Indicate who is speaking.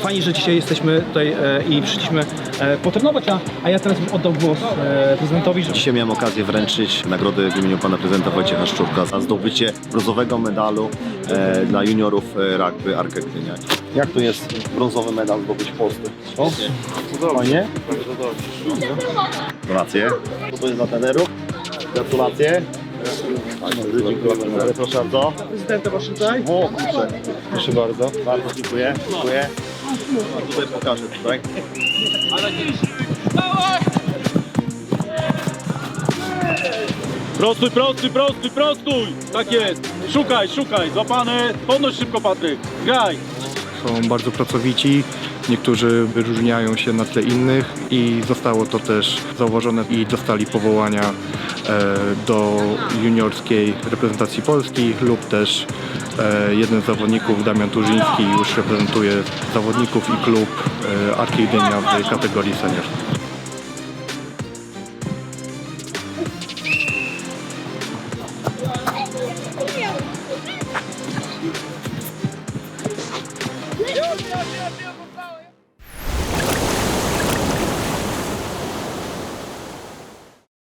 Speaker 1: Fajnie, że dzisiaj jesteśmy tutaj i przyszliśmy potrenować, a ja teraz bym oddał głos prezydentowi.
Speaker 2: Dzisiaj miałem okazję wręczyć nagrody w imieniu pana prezydenta Wojciecha Szczurka za zdobycie brązowego medalu dla juniorów rugby Arkę Gdynia. Jak to jest brązowy medal zdobyć w Polsce? Fajnie? Gratulacje. Co to jest dla trenerów? Gratulacje. Dziękuję. Proszę bardzo.
Speaker 1: Prezydenta masz tutaj?
Speaker 2: O kurczę.
Speaker 1: Proszę bardzo.
Speaker 2: Bardzo dziękuję. Dziękuję. A tutaj pokażę tutaj.
Speaker 3: Prostuj, prostuj, prostuj, prostuj! Tak jest! Szukaj, szukaj! Złapany! Podnoś szybko, Patryk! Graj!
Speaker 4: Są bardzo pracowici, niektórzy wyróżniają się na tle innych i zostało to też zauważone i dostali powołania do juniorskiej reprezentacji Polski lub też jeden z zawodników, Damian Turzyński, już reprezentuje zawodników i klub Arki Gdynia w kategorii senior.
Speaker 3: Już, już, już, już!